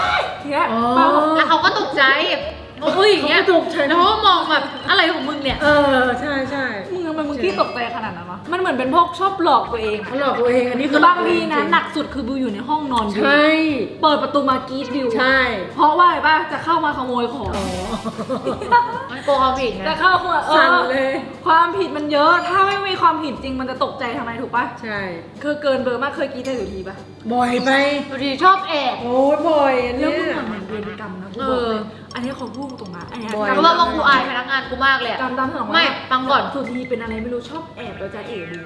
Speaker 1: ทีเนี้ย
Speaker 4: อ๋อ
Speaker 1: ป้าบอก
Speaker 6: แล้วเขาก็ตกใจอุ้ยอย่างเงี้ย
Speaker 4: เขาก็ตกใจ
Speaker 6: แล้วเขาก็มองแบบอะไรของมึงเนี่ย
Speaker 4: เออใช่ใช่
Speaker 1: มึงทำไมมึงขี้ตกใจขนาดนั้นวะมันเหมือนเป็นพวกชอบหลอกตัวเอง
Speaker 4: เขาหลอกตัวเองอันนี้
Speaker 1: คือบางทีนะหนักสุดคือบิวอยู่ในห้องนอนบิว
Speaker 4: ใช่
Speaker 1: เปิดประตูมากรีดบิว
Speaker 4: ใช่
Speaker 1: เพราะว่าอะไรป่ะจะเข้ามาขโมยของ
Speaker 4: อ๋อ
Speaker 6: มันโกงความผิดไง
Speaker 1: จะเข้ามาเอ
Speaker 4: สั่น
Speaker 1: อ
Speaker 4: เลย
Speaker 1: ความผิดมันเยอะถ้าไม่มีความผิดจริงมันจะตกใจทำไมถูกป่ะ
Speaker 4: ใช่
Speaker 1: คือเกินเบอร์มากเคยกรีดได้อยู่ทีป่ะ
Speaker 4: บ่อยไป
Speaker 6: บางทีชอบแอบ
Speaker 4: โอ้ยบ่อยอัน
Speaker 1: แล้ว
Speaker 4: เนี้ย
Speaker 1: มึงเหมือนเวรกรรมนะกู
Speaker 6: เอ
Speaker 1: บอก
Speaker 6: อ
Speaker 1: เลยอันนี้เขาพูดตรงนะอันนี้
Speaker 4: บ่อย
Speaker 6: เพราะว่าว่ากูอายพนักงานกูมากเลยอะ
Speaker 1: กรรมตามสนอง
Speaker 6: ไม่ฟังก่อน
Speaker 1: สุธีเป็นอะไรไม่รู้ชอบแอบแล้วจะเอ๋ดู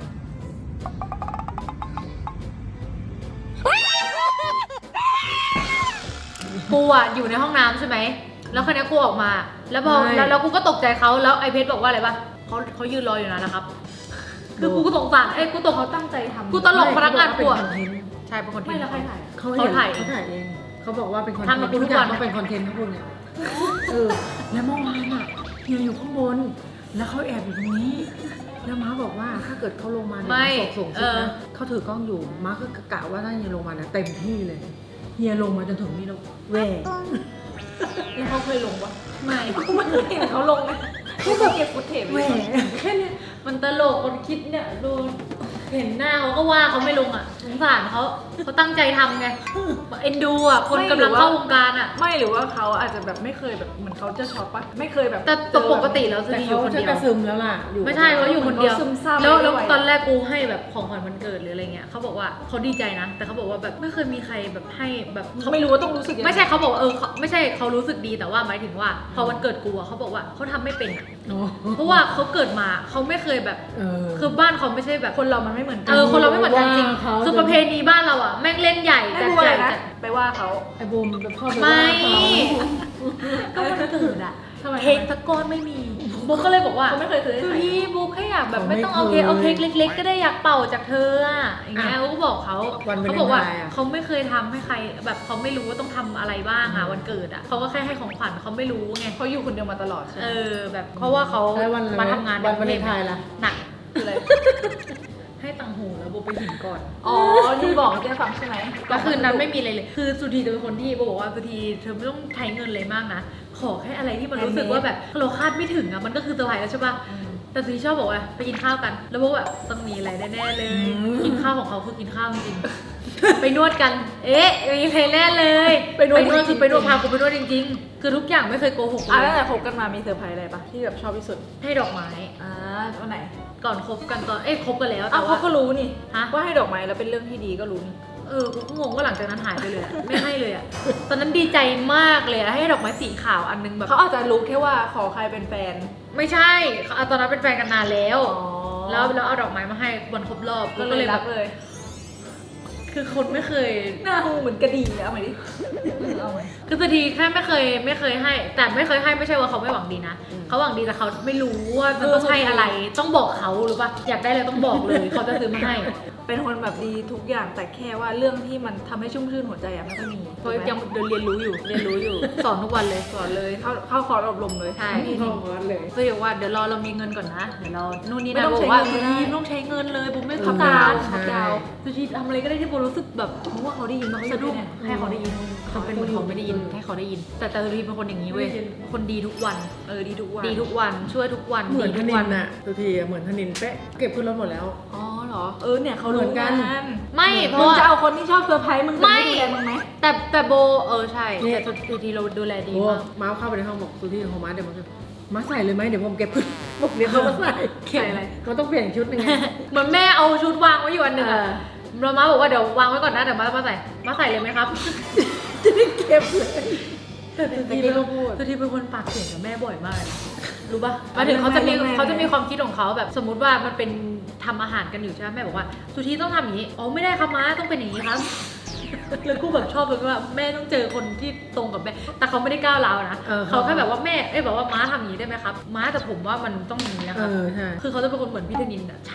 Speaker 6: กูอะอยู่ในห้องน้ำใช่ไหม แล้วคนนี้กูออกมา แล้วพอ
Speaker 4: ไม่
Speaker 6: แล้วแล้วกูก็ตกใจเขาแล้วไอเพชรบอกว่าอะไรปะเขาเขายืนรออยู่นะนะครับ คือกูก็สงสารเอ้ยกูตก
Speaker 1: เขาตั้งใจทำ
Speaker 6: กูตลกพนักงานกู
Speaker 4: เป็
Speaker 6: อะ
Speaker 4: คอนเทนต์
Speaker 6: ใช่เป็นคน
Speaker 1: ไม่แล้วใครถ่ายอะ
Speaker 4: เขา
Speaker 6: เขาถ่าย
Speaker 4: เขาถ่ายเองเขาบอกว่าเป็นคอนเทน
Speaker 6: ทำกับ
Speaker 4: ต์
Speaker 6: กูทุก
Speaker 4: อย่าง
Speaker 6: วัน
Speaker 4: ต้องเป็นคอนเทนต์เขาพูดเนี่ยเออแล้วเมื่อวานอ่ะเฮียอยู่ข้างบน แล้วเขาแอบอยู่ตรงนี้ แล้วม้าบอกว่าถ้าเกิดเขาลงมาเนี่ย
Speaker 6: ไม่
Speaker 4: ส่งส่ง
Speaker 6: เอ
Speaker 4: ซิก
Speaker 6: อ
Speaker 4: นะเขาถือกล้องอยู่ม้าก็กะว่าถ้าเฮียลงมาเนี่ยเต็มที่เลยเฮียลงมาจนถึงนี่แล้วแหว
Speaker 1: แล้วเขาเคยลงปะ
Speaker 6: ไม่
Speaker 1: กูไม่เคยเห็นเขาลงนะเขาแบบเก็บฟุตเทป
Speaker 4: แหว
Speaker 1: ไว้
Speaker 4: แค่เนี้ย
Speaker 6: มันตลกคนคิดเนี่ยดูเห็นหน้าเขาก็ว่าเขาไม่ลงอ่ะสงสารเขาเขาตั้งใจทำไงเอ็นดูอ่ะคนกำลังเข้าวงการอ่ะ
Speaker 1: ไม่หรือว่าเขาอาจจะแบบไม่เคยแบบเหมือนเขาจะช็อปปะไม่เคยแบบ
Speaker 6: แต่แต่ปกติแล้วจะ
Speaker 4: แต่
Speaker 6: ดีอ
Speaker 4: เขา
Speaker 6: ยู่คน
Speaker 4: จะ
Speaker 6: เดีย
Speaker 4: ก
Speaker 6: ว
Speaker 4: ระซึมแล้วล่ะอยู่
Speaker 6: ไม่ใช่เขาอยู่คนเดียว
Speaker 1: ซึมเศร้า
Speaker 6: แล้ว
Speaker 1: ไม่
Speaker 6: แล้ว
Speaker 1: ไหว
Speaker 6: ตอนแรกกูให้แบบของขวัญวันเกิดหรืออะไรเงี้ยเขาบอกว่าเขาดีใจนะ แต่เขาบอกว่าแบบไม่เคยมีใครแบบให้แบบ
Speaker 1: เขาไม่รู้ว่าต้องรู้สึกยังง
Speaker 6: ไม่ใช่เขาบอกว่าเออเขาไม่ใช่เขารู้สึกดีแต่ว่าหมายถึงว่า พอวันเกิดกูอะเขาบอกว่าเขาทำไม่เป็นอะ
Speaker 4: อ๋อ
Speaker 6: เพราะว่าเขาเกิดมาเขาไม่เคยแบบ
Speaker 4: เออ
Speaker 6: คือบ้านเขาไม่ใช่แบบ
Speaker 1: คนเรามันไม่เหมือนกั
Speaker 6: เออคนเราไม่เหมือนกันจริง
Speaker 4: ว่าเขา
Speaker 6: คือประเพณีบ้านเราอะแม่งเล่นใหญ่
Speaker 1: ไม่
Speaker 6: จัด
Speaker 1: รู้
Speaker 6: ให
Speaker 1: อะไร
Speaker 6: ญ่
Speaker 1: นะ
Speaker 6: จัด
Speaker 1: ไปว่าเขา
Speaker 4: ไอ้บูมเป็นพ่อเป็น
Speaker 6: ไม่
Speaker 4: ว่าเขา
Speaker 6: ก็วันเกิดอะ
Speaker 1: ทำไม
Speaker 6: เค้กตะก้อนไม่มีบุ๊กก็เลยบอกว่า
Speaker 1: เขาไม่เคยซื้อให้
Speaker 6: คือ
Speaker 1: ใคร
Speaker 6: พี่บุ๊กแค่อยากแบบ
Speaker 4: เขา
Speaker 6: ไม่
Speaker 4: ไม่
Speaker 6: ต้องเอาเค้ก
Speaker 4: เคย
Speaker 6: เอาเค้กเล็ก ๆ ก็ได้อยากเป่าจากเธออะอย่างเงี้ย
Speaker 4: อ่ะ
Speaker 6: เขาก็บอกเขา
Speaker 4: วันวาเลนไทน์
Speaker 6: เขาบอกว่า
Speaker 4: อะ
Speaker 6: เขาไม่เคยทำให้ใครแบบเขาไม่รู้ว่าต้องทำอะไรบ้างอะวันเกิดอะเขาก็แค่ให้ของขวัญเขาไม่รู้ไง
Speaker 1: เขาอยู่คนเดียวมาตลอดใช่ไหม
Speaker 6: เออแบบเพราะว่าเขา
Speaker 4: แล้ววันอะไร
Speaker 6: มาทำงาน
Speaker 4: วันวาเลนไทน์ล่ะ
Speaker 6: หนัก
Speaker 1: คืออะไร
Speaker 6: ให้ตังหูแล้วโบไปหินก่อน
Speaker 1: อ๋อที่บอกให้แกฟังใช่ไหม
Speaker 6: แล้วคืนนั้นไม่มีอะไรเลย คือสุธีจะเป็นคนที่โบบอกว่าสุธีเธอไม่ต้องใช้เงินเลยมากนะ ขอแค่อะไรที่มันรู้สึกว่าแบบเราคาดไม่ถึงอะมันก็คือเซอร์ไพรส์แล้วใช่ปะแต่สุธีชอบบอกว่าไปกินข้าวกัน แล้วโบก็แบบต้องมีอะไรแน่ๆเลย กินข้าวของเขาคือกินข้าวจริงๆ ไปนวดกัน เอ๊ะมีอะไรแน่เลย
Speaker 1: ไปนวด
Speaker 6: คือไปนวดพากูไปนวดจริงๆ คือทุกอย่างไม่เคยโกหก
Speaker 1: อ่ะ
Speaker 6: เล
Speaker 1: ตั้ง
Speaker 6: ย
Speaker 1: แต่คบกันมามีเซอร์ไพรส์อะไรปะที่แบบชอบที่สุด
Speaker 6: ให้ดอกไม้
Speaker 1: อ่าวันไหน
Speaker 6: ก่อนคบกันตอนเอ้ยคบกันแล้วแต่
Speaker 1: อ้าว
Speaker 6: ว่า
Speaker 1: เขาก็รู้นี่
Speaker 6: ฮะ
Speaker 1: ว่าให้ดอกไม้แล้วเป็นเรื่องที่ดีก็รู้นี่
Speaker 6: เออกูก็งงว่าหลังจากนั้นหายไปเลยอะไม่ให้เลยอะตอนนั้นดีใจมากเลยอะให้ดอกไม้สีขาวอันนึงแบบ
Speaker 1: เขาอาจจะรู้แค่ว่าขอใครเป็นแฟน
Speaker 6: ไม่ใช่เขาตอนนั้นเป็นแฟนกันนานแล้ว
Speaker 1: อ๋อ
Speaker 6: แล้วแล้วเอาดอกไม้มาให้วันครบรอบ
Speaker 1: ก็เลย
Speaker 6: แบ
Speaker 1: รับ กเลย
Speaker 6: คือคนไม่เคย
Speaker 1: หน้าหูเหมือนกระดิ่งเลยเอาไหมดิเอาไหม
Speaker 6: คือสุธีแค่ไม่เคยไม่เคยให้ แต่ไม่เคยให้ไม่ใช่ว่าเขาไม่หวังดีนะ
Speaker 1: อืม
Speaker 6: เขาหวังดีแต่เขาไม่รู้ว่ามันต้องให้อะไร ต้องบอกเขาหรือปะอยากได้อะไรต้องบอกเลยเขาจะซื้อมาให้
Speaker 1: เป็นคนแบบดีทุกอย่างแต่แค่ว่าเรื่องที่มันทำให้ชุ่มชื่นหัวใจอะไม่ค่อยมี
Speaker 6: เพราะยังเดินเรียนรู้อยู่เรียนรู้อยู่ สอนทุกวันเลย
Speaker 1: สอนเลยเข้าเข้าคอร์สอบรมเลย
Speaker 6: ใช่
Speaker 1: พี่
Speaker 4: พ่อ
Speaker 1: นี่
Speaker 4: คอสเลย
Speaker 6: ก็บอกว่าเดี๋ยวรอเรามีเงินก่อนนะเดี๋ยวเรานู่นนี่
Speaker 1: ไม่
Speaker 6: นั่น
Speaker 1: ต้อง
Speaker 6: บ
Speaker 1: ใช้
Speaker 6: อกว่า
Speaker 1: เงินก็
Speaker 6: สุ
Speaker 1: ได้
Speaker 6: ธีไม่ต้องใช้เงินเลยบุ๊มไม่
Speaker 1: ทับ
Speaker 6: ทำ
Speaker 1: ดาว
Speaker 6: งาน
Speaker 1: ทับดาว
Speaker 6: สุธีทำอะไรก็ได้ที่โบรู้สึกแบบ
Speaker 1: เพราะว่าเขาได้ยินมาเขา
Speaker 6: สะดุ้ง
Speaker 1: เนี่ย
Speaker 6: ให้เขาได้ยินเขาเป็นเหมือนเขาไม่ได้ยินให้เขาได้ยิน แต่แต่สุธีเป็นคนอย่างนี้เว้ยคนดีทุกวัน
Speaker 1: เออดีทุกวัน
Speaker 6: ดีทุกวันช่วยทุกวัน
Speaker 4: เหมือน
Speaker 6: ดี
Speaker 4: ธ
Speaker 6: ทุก
Speaker 4: นิ
Speaker 6: วัน
Speaker 4: นน่ะทุกทีอะเหมือนธนินเป๊ะเก็บขึ้นรถหมดแล้ว
Speaker 1: อ๋อเหรอเออเนี่ยเขา
Speaker 4: เหมื
Speaker 1: รู้
Speaker 4: อนกั
Speaker 1: กัน น
Speaker 6: ไม่เพ
Speaker 1: มึ
Speaker 6: ราะ
Speaker 1: ง
Speaker 6: ว่า
Speaker 1: จะเอาคนที่ชอบเซอร์ไพรส์มึงจะ
Speaker 6: ไม่
Speaker 1: ไม่ดูแลมึงไหม
Speaker 6: แต่แต่โบเออใช่
Speaker 4: นี่
Speaker 6: แต่สุธีเราดูแลดี
Speaker 4: โอ้
Speaker 6: มาก
Speaker 4: ม้าเข้าไปในห้องบอกสุธีของม้าเดี๋ยวมันก็ม้าใส่เลยไหมเดี๋ยวผมเก็บขึ้นบอกเดี๋ยวเขามาใส่
Speaker 1: ใส่อะไร
Speaker 4: เขาต้องเปลี่ยนชุดหนึงไง
Speaker 6: เหมือนแม่เอาชุดวางไว้อยู่อันหนึ่งอะ
Speaker 4: เออ
Speaker 6: เรามาบอกว่าเดี๋ยววางไว้ก่อนนะเดี๋ยวมามาใส่มาใส่เลยไหมครับ
Speaker 4: จะได้เก็บเลย
Speaker 6: แต่สุ
Speaker 4: แต่
Speaker 6: ธี
Speaker 4: กี้
Speaker 6: เป็น
Speaker 4: เขาพูด
Speaker 6: สุธีเป็นคนปากเสียงกับแม่บ่อยมากเลยรู้ป่ะหมายถึงเขาจะมี
Speaker 1: แม่แม่
Speaker 6: เขาจะมีความคิดของเขาแบบสมมุติว่ามันเป็นทำอาหารกันอยู่ใช่ไหมแม่บอกว่าสุธีต้องทำอย่างนี้อ๋อไม่ได้ครับม้าต้องเป็นอย่างนี้ครับ แล้วกูแบบชอบเลยว่าแม่ต้องเจอคนที่ตรงกับแม่แต่เขาไม่ได้ก้าวร้าวนะ
Speaker 4: เออ
Speaker 6: เขาแค่แบบว่าแม่เอ้ยแบบว่าม้าทำอย่างนี้ได้ไหมครับม้าแต่ผมว่ามันต้องอย่างนี้นะค
Speaker 4: เอ
Speaker 6: รับ
Speaker 4: อใช่
Speaker 6: คือเขาจะเป็นคนเหมือนพี่ธนินอะช้า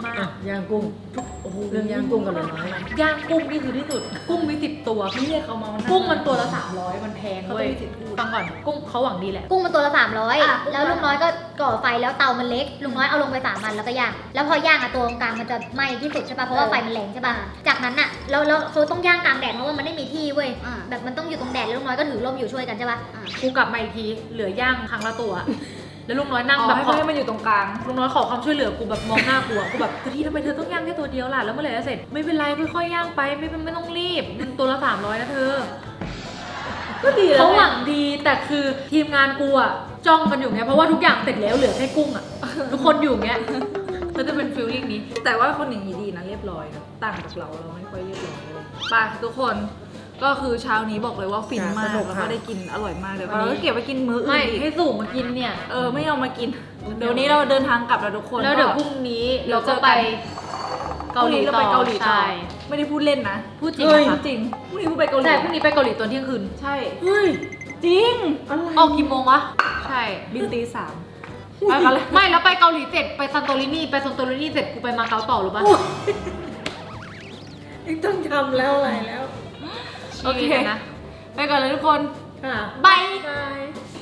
Speaker 1: มาก
Speaker 4: อ่ะย่างกุ้ง
Speaker 1: โอ้โห
Speaker 4: เรื่องย่างกุ้งกับเหลือน้อยไหม
Speaker 6: ย่างกุ้งนี่คือที่สุด กุ้งมีสิบตัว
Speaker 1: ไม่เรียกเขามามัน
Speaker 6: กุ้งมันตัวละสามร้อยมันแพง
Speaker 1: เขา
Speaker 6: เว้
Speaker 1: ต้
Speaker 6: ย
Speaker 1: องมีสิทธิ์พูด
Speaker 6: ฟังก่อนกุ้งเขาหวังดีแหละ
Speaker 2: กุ้งมันตัวละสามร้อย
Speaker 1: อ่ะ
Speaker 2: แล้วลุงน้อยก็ก่อไฟแล้วเตามันเล็ก ลุงน้อยเอาลงไปสามมันแล้วก็ย่าง แล้วพอย่างอ่ะตัวตรงกลางมันจะไหม้ที่สุดใช่ป่ะ เพราะว่าไฟมันแรงใช่ป่ะ จากนั้นอ่ะแล้วแล้วเขาต้องย่างกลางแดดเพราะว่ามันไม่มีที่เว้ย แบบมันต้องอยู่ตรงแดดแล้วลุงน้อยก็ถือร่มอยู่ช่วยกันใช่ป่ะ
Speaker 6: กูกลับมาอีกทีเหลือย่างครั้งละตัว แล้วลุงน้อยนั่ง
Speaker 1: อ๋อ
Speaker 6: แบบ
Speaker 1: ให้
Speaker 6: ขอ
Speaker 1: ให้มันอยู่ตรงกลาง
Speaker 6: ลุงน้อยขอความช่วยเหลือกูแบบมองหน้ากูอะกูแบบกะทิทำไมเธอต้องย่างแค่ตัวเดียวล่ะแล้วเมื่อไหร่จะเสร็จไม่เป็นไรค่อยๆย่างไปไม่เป็นไม่ต้องรีบมันตัวละสามร้อยนะเธอ
Speaker 1: ก็ดีแล้ว
Speaker 6: เขาห
Speaker 1: ไง
Speaker 6: วังดีแต่คือทีมงานกูอะจ้องกันอยู่ไงเพราะว่าทุกอย่างเสร็จแล้วเหลือแค่กุ้งอะทุกคนอยู่เงี้ยก็จะเป็นฟีลลิ่งนี้
Speaker 1: แต่ว่าคนอย่างนี้ดีนะเรียบร้อยนะต่างจากเราเราไม่ค่อยเรียบร้อยเลยไปทุกคนก็คือเช้านี้บอกเลยว่าฟินมาก
Speaker 4: สนุก
Speaker 1: แล้ว
Speaker 4: ค่ะ
Speaker 1: ก็ได้กินอร่อยมากเลย
Speaker 6: วันนี้
Speaker 1: เราก็เก็บไว้กินมื้ออื่
Speaker 6: ไม่
Speaker 1: นอีก
Speaker 6: ให้สู่มากินเนี่ย
Speaker 1: เออไม่เอามากิน เดี๋ยวนี้เราเดินทางกลับแล้วทุกคน
Speaker 6: แล้วเดี๋ยว
Speaker 1: ก็
Speaker 6: พรุ่งนี้
Speaker 1: เรา
Speaker 6: เรา
Speaker 1: เจ
Speaker 6: จะ
Speaker 1: อ
Speaker 6: ไป
Speaker 1: กัน
Speaker 6: เกาหลี
Speaker 1: พรุ่งนี้เรา
Speaker 6: ต่
Speaker 1: ไป
Speaker 6: อ
Speaker 1: เกาหลีต่อ
Speaker 6: ใช่
Speaker 1: ไม่ได้พูดเล่นนะ
Speaker 6: พูดจริง
Speaker 1: เฮ้ย
Speaker 6: นะคะ
Speaker 1: จริงพรุ่งนี้พูดไปเกาหลี
Speaker 6: ใช่พรุ่งนี้ไปเกาหลีตอนเที่ยงคืน
Speaker 1: ใช่
Speaker 4: เฮ้ย
Speaker 1: จริง
Speaker 6: ออกกี่โมงวะใช่
Speaker 1: บินตีสามไปกันเลย
Speaker 6: ไม่แล้วไปเกาหลีเสร็จไปซันโตรินีไปซันโตรินีเสร็จกูไปมาเก๊าต่อหรือปะ
Speaker 4: ไม่ต้องทำแล้วอะไรแล้ว
Speaker 1: โอเค
Speaker 6: นะ
Speaker 1: ไปก่อนเลยทุกคน
Speaker 4: ค่ะ
Speaker 6: บาย
Speaker 4: บาย